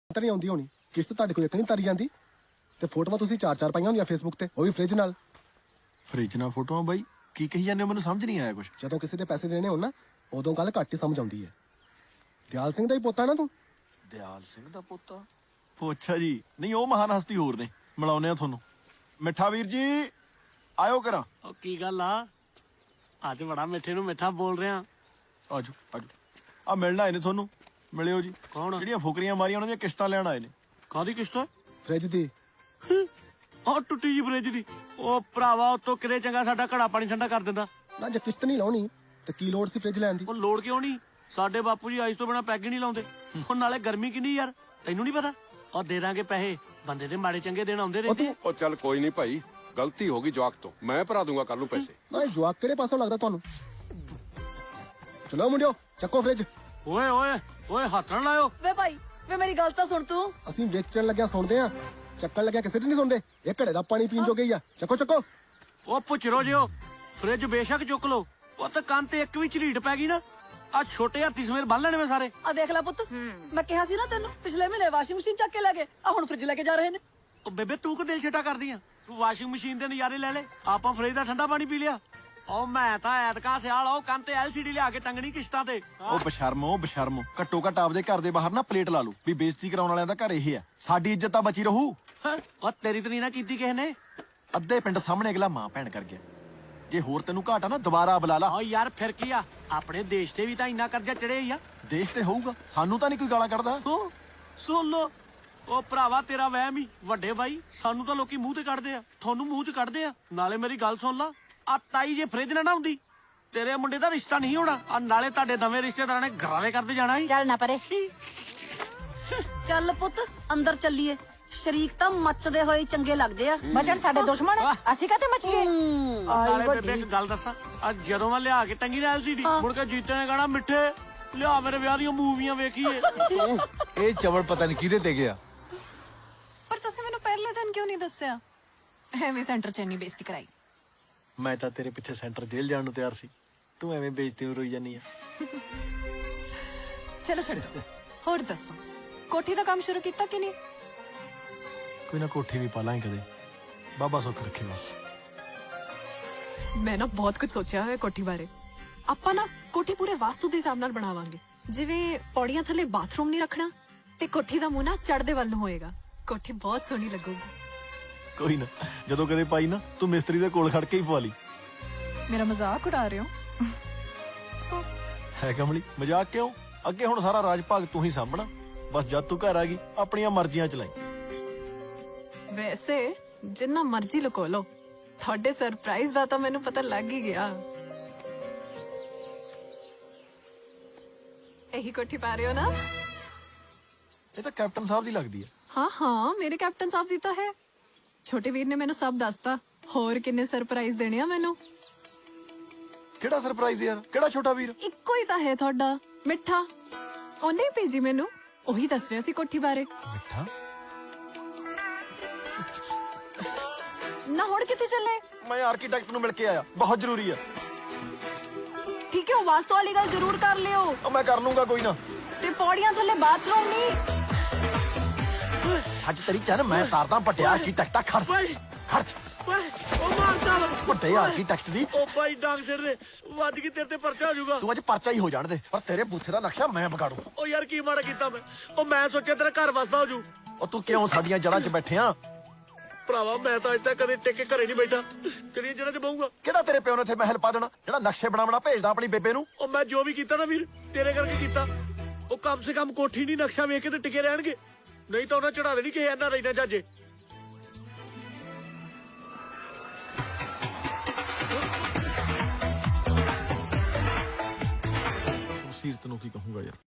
ਤਾਂ ਨਹੀਂ ਆਉਂਦੀ ਹੋਣੀ, ਕਿਸ਼ਤ ਤੁਹਾਡੇ ਕੋਲ ਇੱਕ ਨਹੀਂ ਤਾਰੀ ਜਾਂਦੀ ਤੇ ਫੋਟੋਆਂ ਤੁਸੀਂ ਚਾਰ ਪਾਈਆਂ ਹੁੰਦੀਆਂ ਫੇਸਬੁੱਕ ਤੇ, ਉਹ ਵੀ ਫ੍ਰਿਜ ਨਾਲ। ਫ੍ਰਿਜ ਨਾਲ ਫੋਟੋਆਂ ਬਾਈ ਕੀ ਕਹੀ ਜਾਂਦੇ ਹੋ, ਮੈਨੂੰ ਸਮਝ ਨਹੀਂ ਆਇਆ ਕੁਛ। ਜਦੋਂ ਕਿਸੇ ਦੇ ਪੈਸੇ ਦੇਣੇ ਹੋਣ ਨਾ ਉਦੋਂ ਗੱਲ ਘੱਟ ਹੀ ਸਮਝ ਆਉਂਦੀ ਹੈ। ਦਿਆਲ ਸਿੰਘ ਦਾ ਹੀ ਪੋਤਾ ਨਾ ਤੂੰ? ਦਿਆਲ ਸਿੰਘ ਦਾ ਪੋਤਾ? ਉਹ ਅੱਛਾ ਜੀ, ਨਹੀਂ ਉਹ ਮਹਾਨ ਹਸਤੀ ਹੋਰ ਨੇ, ਮਿਲਾਉਨੇ ਆ ਤੁਹਾਨੂੰ। ਮਿੱਠਾ ਵੀਰ ਜੀ ਆਇਓ ਕਰਾਂ। ਉਹ ਕੀ ਗੱਲ ਆ, ਅੱਜ ਬੜਾ ਮਿੱਠੇ ਨੂੰ ਮਿੱਠਾ ਬੋਲ ਰਿਹਾ। ਆਜੋ ਆਜੋ, ਆ ਮਿਲਣ ਆਏ ਨੇ ਤੁਹਾਨੂੰ, ਮਿਲਿਓ ਜੀ। ਕੌਣ? ਜਿਹੜੀਆਂ ਫੁਕਰੀਆਂ ਮਾਰੀਆਂ ਉਹਨਾਂ ਦੀਆਂ ਕਿਸ਼ਤਾਂ ਲੈਣ ਆਏ ਨੇ। ਕਾਹਦੀ ਕਿਸ਼ਤ? ਫ੍ਰਿਜ ਦੀ। ਉਹ ਟੁੱਟੀ ਜੀ ਫ੍ਰਿਜ ਦੀ। ਉਹ ਭਰਾਵਾ ਉਤੋਂ ਕਿਤੇ ਚੰਗਾ ਸਾਡਾ ਘੜਾ ਪਾਣੀ ਠੰਡਾ ਕਰ ਦਿੰਦਾ। ਨਾ ਜੇ ਕਿਸ਼ਤ ਨਹੀਂ ਲਾਉਣੀ ਤੇ ਕੀ ਲੋੜ ਸੀ ਫ੍ਰਿਜ ਲੈਣ ਦੀ? ਉਹ ਲੋੜ ਕਿਉਂ ਨਹੀਂ, ਸਾਡੇ ਬਾਪੂ ਜੀ ਆਈਸ ਤੋਂ ਬਿਨਾ ਪੈਗ ਹੀ ਨਹੀਂ ਲਾਉਂਦੇ। ਹੁਣ ਨਾਲੇ ਗਰਮੀ ਕਿੰਨੀ ਯਾਰ, ਤੈਨੂੰ ਨਹੀਂ ਪਤਾ? ਉਹ ਦੇ ਦਾਂਗੇ ਪੈਸੇ, ਬੰਦੇ ਦੇ ਮਾੜੇ ਚੰਗੇ ਦਿਨ ਆਉਂਦੇ ਰਹਿੰਦੇ। ਉਹ ਚੱਲ ਕੋਈ ਨਹੀਂ ਭਾਈ, ਗਲਤੀ ਹੋ ਗਈ ਜਵਾਕ ਤੋਂ, ਮੈਂ ਭਰਾ ਦੂੰਗਾ ਕੱਲ ਨੂੰ ਪੈਸੇ। ਨਾ ਇਹ ਜਵਾਕ ਕਿਹੜੇ ਪਾਸੋਂ ਲੱਗਦਾ ਤੁਹਾਨੂੰ? ਚਲੋ ਮੁੰਡਿਓ ਚੱਕੋ ਫ੍ਰਿਜ। ਓਏ ਓਏ ਓਏ, ਹੱਥ ਨਾ ਲਾਇਓ। ਵੇ ਭਾਈ, ਵੇ ਮੇਰੀ ਗੱਲ ਤਾਂ ਸੁਣ ਤੂੰ। ਅਸੀਂ ਵੇਚਣ ਲੱਗਿਆ ਸੁਣਦੇ ਆ, ਚੱਕਣ ਲੱਗਿਆ ਕਿਸੇ ਦੀ ਨਹੀਂ ਸੁਣਦੇ। ਇਹ ਘੜੇ ਦਾ ਪਾਣੀ ਪੀਣ ਜੋ ਗਈ ਆ, ਚੱਕੋ ਚੱਕੋ। ਉਹ ਪੁੱਛਰੋ ਜਿਓ, ਫ੍ਰਿਜ ਬੇਸ਼ੱਕ ਚੁੱਕ ਲੋ, ਉਹ ਤਾਂ ਕੰਨ ਤੇ ਇੱਕ ਵੀ ਝਰੀਟ ਪੈ ਗਈ ਨਾ, ਆ ਛੋਟੇ ਹੱਥੀ ਸਮੇਰ ਬੰਨ ਲੈਣੇ ਮੈਂ ਸਾਰੇ। ਆ ਦੇਖ ਲੈ ਪੁੱਤ, ਮੈਂ ਕਿਹਾ ਸੀ ਨਾ ਤੈਨੂੰ ਪਿਛਲੇ ਮਹੀਨੇ ਵਾਸ਼ਿੰਗ ਮਸ਼ੀਨ ਚੱਕ ਕੇ ਲੈ ਗਏ, ਆ ਹੁਣ ਫ੍ਰਿਜ ਲੈ ਕੇ ਜਾ ਰਹੇ ਨੇ। ਉਹ ਬੇਬੇ ਤੂੰ ਕੋ ਦਿਲ ਛਟਾ ਕਰਦੀ ਆ, ਤੂੰ ਵਾਸ਼ਿੰਗ ਮਸ਼ੀਨ ਦੇ ਨਜ਼ਾਰੇ ਲੈ ਲੈ, ਆਪਾਂ ਫ੍ਰਿਜ ਦਾ ਠੰਡਾ ਪਾਣੀ ਪੀ ਲਿਆ। ਉਹ ਮੈਂ ਤਾਂ ਐਤਕਾਂ ਸਿਆਲ ਉਹ ਕੰਨ ਤੇ LCD ਲਿਆ ਕੇ ਟੰਗਣੀ ਕਿਸ਼ਤਾਂ ਤੇ। ਉਹ ਬਸ਼ਰਮੋ ਘੱਟੋ ਘੱਟ ਆਪਦੇ ਘਰ ਦੇ ਬਾਹਰ ਨਾ ਪਲੇਟ ਲਾ ਲਓ ਵੀ ਬੇਇੱਜ਼ਤੀ ਕਰਾਉਣ ਵਾਲਿਆਂ ਦਾ ਘਰ ਇਹ ਆ, ਸਾਡੀ ਇੱਜ਼ਤ ਤਾਂ ਬਚੀ ਰਹੂ। ਹੈਂ? ਉਹ ਤੇਰੀ ਤਾਂ ਨਹੀਂ ਨਾ ਕੀਤੀ ਕਿਸੇ ਨੇ। ਅੱਧੇ ਪਿੰਡ ਸਾਹਮਣੇ ਅਗਲਾ ਮਾਂ ਭੈਣ ਕਰ ਗਿਆ, ਜੇ ਹੋਰ ਤੈਨੂੰ ਘਾਟਾ ਨਾ ਦੁਬਾਰਾ ਬੁਲਾ ਲਾ। ਓ ਯਾਰ ਫਿਰ ਕੀ ਆ, ਆਪਣੇ ਦੇਸ਼ ਤੇ ਵੀ ਤਾਂ ਇੰਨਾ ਕਰਜ਼ਾ ਚੜਿਆ ਹੀ ਆ। ਦੇਸ਼ ਤੇ ਹੋਊਗਾ, ਸਾਨੂੰ ਤਾਂ ਨਹੀਂ ਕੋਈ ਗਾਲਾਂ ਕੱਢਦਾ। ਸੁਣ ਲੋ, ਉਹ ਭਰਾਵਾ ਤੇਰਾ ਵਹਿਮ ਹੀ ਵੱਡੇ ਬਾਈ, ਸਾਨੂੰ ਤਾਂ ਲੋਕੀ ਮੂੰਹ ਤੇ ਕੱਢਦੇ ਆ, ਤੁਹਾਨੂੰ ਮੂੰਹ ਚ ਕੱਢਦੇ ਆ। ਨਾਲੇ ਮੇਰੀ ਗੱਲ ਸੁਣ ਲਾ, ਆ ਤਾਈ ਜੇ ਫ੍ਰਿਜ ਨਾ ਹੁੰਦੀ ਤੇਰੇ ਮੁੰਡੇ ਦਾ ਰਿਸ਼ਤਾ ਨਹੀਂ ਹੋਣਾ, ਆ ਨਾਲੇ ਤੁਹਾਡੇ ਨਵੇਂ ਰਿਸ਼ਤੇਦਾਰਾਂ ਨੇ ਘਰਾਲੇ ਕਰਦੇ ਜਾਣਾ ਸੀ। ਚੱਲ ਨਾ ਪਰੇ। ਚੱਲ ਪੁੱਤ ਅੰਦਰ ਚੱਲੀਏ, ਸ਼ਰੀਕ ਤਾਂ ਮੱਚਦੇ ਹੋਏ ਚੰਗੇ ਲੱਗਦੇ ਆ। ਮਚਣ ਸਾਡੇ ਦੁਸ਼ਮਣ ਆ, ਅਸੀਂ ਕਾਤੇ ਮਚੀਏ? ਨਾਲੇ ਬੇਬੇ ਇੱਕ ਗੱਲ ਦੱਸਾਂ, ਆ ਜਦੋਂ ਮੈਂ ਲਿਆ ਕੇ ਟੰਗੀ ਨਾ LCD, ਮੁੜ ਕੇ ਜੀਤੇ ਨੇ ਕਹਣਾ ਮਿੱਠੇ ਲਿਆ ਮੇਰੇ ਵਿਆਹ ਦੀਆਂ ਮੂਵੀਆਂ ਵੇਖੀਏ। ਇਹ ਚਵਲ ਪਤਾ ਨਹੀਂ ਕਿਹਦੇ ਤੇ ਗਿਆ। ਪਰ ਤੁਸੀਂ ਮੈਨੂੰ ਪਹਿਲੇ ਦਿਨ ਕਿਉਂ ਨਹੀਂ ਦੱਸਿਆ? ਐਵੇਂ ਸੈਂਟਰ 'ਚ ਇੰਨੀ ਬੇਇੱਜ਼ਤੀ ਕਰਾਈ। ਮੈਂ ਤਾਂ ਤੇਰੇ ਪਿੱਛੇ ਸੈਂਟਰ ਜੇਲ੍ਹ ਜਾਣ ਨੂੰ ਤਿਆਰ ਸੀ, ਤੂੰ ਐਵੇਂ ਬੇਇੱਜ਼ਤੀ ਨੂੰ ਰੋਈ ਜਾਨੀ ਆ। ਚਲੋ ਛੱਡੋ, ਹੋਰ ਦੱਸੋ ਕੋਠੀ ਦਾ ਕੰਮ ਸ਼ੁਰੂ ਕੀਤਾ ਕਿ ਨਹੀਂ? ਕੋਈ ਨਾ ਕੋਠੀ ਵੀ ਪਾ ਲਾਂਗੇ ਕਦੇ, ਬਾਬਾ ਸੁੱਖ ਰੱਖੇ ਬਸ। ਮੈਂ ਨਾ ਬਹੁਤ ਕੁਝ ਸੋਚਿਆ ਹੋਇਆ ਕੋਠੀ ਬਾਰੇ। ਆਪਾਂ ਨਾ ਕੋਠੀ ਪੂਰੇ ਵਾਸਤੂ ਦੇ ਹਿਸਾਬ ਨਾਲ ਬਣਾਵਾਂਗੇ, ਜਿਵੇਂ ਪੌੜੀਆਂ ਥੱਲੇ ਬਾਥਰੂਮ ਨਹੀਂ ਰੱਖਣਾ ਤੇ ਕੋਠੀ ਦਾ ਮੂੰਹ ਨਾ ਚੜ੍ਹਦੇ ਵੱਲ ਨੂੰ ਹੋਏਗਾ। ਕੋਠੀ ਬਹੁਤ ਸੋਹਣੀ ਲੱਗੂਗੀ। ਕੋਈ ਨਾ, ਜਦੋਂ ਕਦੇ ਪਾਈ ਨਾ ਤੂੰ ਮਿਸਤਰੀ ਦੇ ਕੋਲ ਖੜ ਕੇ ਹੀ ਪਵਾ ਲਈ। ਮੇਰਾ ਮਜ਼ਾਕ ਉਡਾ ਰਹੇ ਹੋ? ਹੈ ਕਮਲੀ, ਮਜ਼ਾਕ ਕਿਉਂ? ਅੱਗੇ ਹੁਣ ਸਾਰਾ ਰਾਜ ਭਾਗ ਤੂੰ ਹੀ ਸਾਂਭਣਾ, ਬਸ ਜਦ ਤੂੰ ਘਰ ਆ ਗਈ ਆਪਣੀਆਂ ਮਰਜ਼ੀਆਂ ਚਲਾਈ। ਵੈਸੇ ਜਿੰਨਾ ਮਰਜ਼ੀ ਲੁਕੋ ਲੋ, ਤੁਹਾਡੇ ਸਰਪ੍ਰਾਈਜ਼ ਦਾ ਤਾਂ ਮੈਨੂੰ ਪਤਾ ਲੱਗ ਹੀ ਗਿਆ। ਇਹੀ ਕੋਠੀ ਪਾ ਰਹੇ ਹੋ ਨਾ? ਇਹ ਤਾਂ ਕੈਪਟਨ ਸਾਹਿਬ ਦੀ ਲੱਗਦੀ ਆ। ਹਾਂ ਮੇਰੇ ਕੈਪਟਨ ਸਾਹਿਬ ਜੀ ਤਾਂ ਹੈ। ਛੋਟੇ ਵੀਰ ਨੇ ਮੈਨੂੰ ਸਭ ਦੱਸਤਾ। ਹੋਰ ਕਿੰਨੇ ਸਰਪ੍ਰਾਈਜ਼ ਦੇਣੇ ਆ ਮੈਨੂੰ। ਕਿਹੜਾ ਸਰਪ੍ਰਾਈਜ਼ ਯਾਰ, ਕਿਹੜਾ ਛੋਟਾ ਵੀਰ? ਇੱਕੋ ਹੀ ਤਾਂ ਹੈ ਤੁਹਾਡਾ, ਮਿੱਠਾ। ਉਹਨੇ ਹੀ ਭੇਜੀ ਮੈਨੂੰ, ਉਹੀ ਦੱਸ ਰਿਹਾ ਸੀ ਕੋਠੀ ਬਾਰੇ। ਮਿੱਠਾ? ਨਾ ਹੁਣ ਕਿੱਥੇ ਚੱਲੇ? ਮੈਂ ਆਰਕੀਟੈਕਟ ਨੂੰ ਮਿਲ ਕੇ ਆਇਆ, ਬਹੁਤ ਜ਼ਰੂਰੀ ਆ। ਠੀਕ ਹੈ, ਉਹ ਵਾਸਤੂ ਵਾਲੀ ਗੱਲ ਜ਼ਰੂਰ ਕਰ ਲਿਓ। ਉਹ ਮੈਂ ਕਰ ਲੂੰਗਾ ਕੋਈ ਨਾ। ਤੇ ਪੌੜੀਆਂ ਥੱਲੇ ਬਾਥਰੂਮ ਨਹੀਂ। ਅੱਜ ਤੇਰੀ ਚੰਨ ਮੈਂ ਤਾਰਦਾ ਵੱਡੇ ਆਰਕੀਟੈਕਟਾ। ਖਰਚ ਓਏ ਉਹ ਮਾਰਦਾ ਵੱਡੇ ਆਰਕੀਟੈਕਟ ਦੀ। ਉਹ ਬਾਈ ਡਾਂਗ ਸਿਰ ਦੇ ਵੱਜ ਗਈ, ਤੇਰੇ ਤੇ ਪਰਚਾ ਹੋ ਜਾਊਗਾ। ਤੂੰ ਅੱਜ ਪਰਚਾ ਹੀ ਹੋ ਜਾਣ ਦੇ, ਪਰ ਤੇਰੇ ਬੂਥੇ ਦਾ ਨਕਸ਼ਾ ਮੈਂ ਵਿਗਾੜੂ। ਉਹ ਯਾਰ ਕੀ ਮਾੜਾ ਕੀਤਾ ਮੈਂ? ਉਹ ਮੈਂ ਸੋਚਿਆ ਤੇਰਾ ਘਰ ਵਸਦਾ ਹੋ ਜੂ। ਉਹ ਤੂੰ ਕਿਉਂ ਸਾਡੀਆਂ ਜੜ੍ਹਾਂ 'ਚ ਬੈਠਿਆ? ਭਰਾਵਾ ਮੈਂ ਤਾਂ ਅੱਜ ਤੱਕ ਕਦੇ ਟਿੱਕੇ ਘਰੇ ਨਹੀਂ ਬੈਠਾ, ਤੇਰੀਆਂ ਜੜ੍ਹਾਂ 'ਚ ਬਹੂੰਗਾ। ਕਿਹੜਾ ਤੇਰੇ ਪਿਓ ਨੇ ਇੱਥੇ ਮਹਿਲ ਪਾ ਦੇਣਾ ਜਿਹੜਾ ਨਕਸ਼ੇ ਬਣਾਉਣਾ ਭੇਜਦਾ ਆਪਣੀ ਬੇਬੇ ਨੂੰ? ਉਹ ਮੈਂ ਜੋ ਵੀ ਕੀਤਾ ਨਾ ਵੀਰ, ਤੇਰੇ ਕਰਕੇ ਕੀਤਾ। ਉਹ ਕਮ ਸੇ ਕਮ ਕੋਠੀ ਨਹੀਂ ਨਕਸ਼ਾ ਵੇਖ ਕੇ ਤੇ ਟਿਕੇ ਰਹਿਣਗੇ, ਨਹੀਂ ਤਾਂ ਉਹਨਾਂ ਚੜਾ ਦੇਣੀ ਕਿ ਇਹਨਾਂ ਰਹਿਣਾ ਜਾਜੇ। ਸੀਰਤ ਨੂੰ ਕੀ ਕਹੂੰਗਾ ਯਾਰ।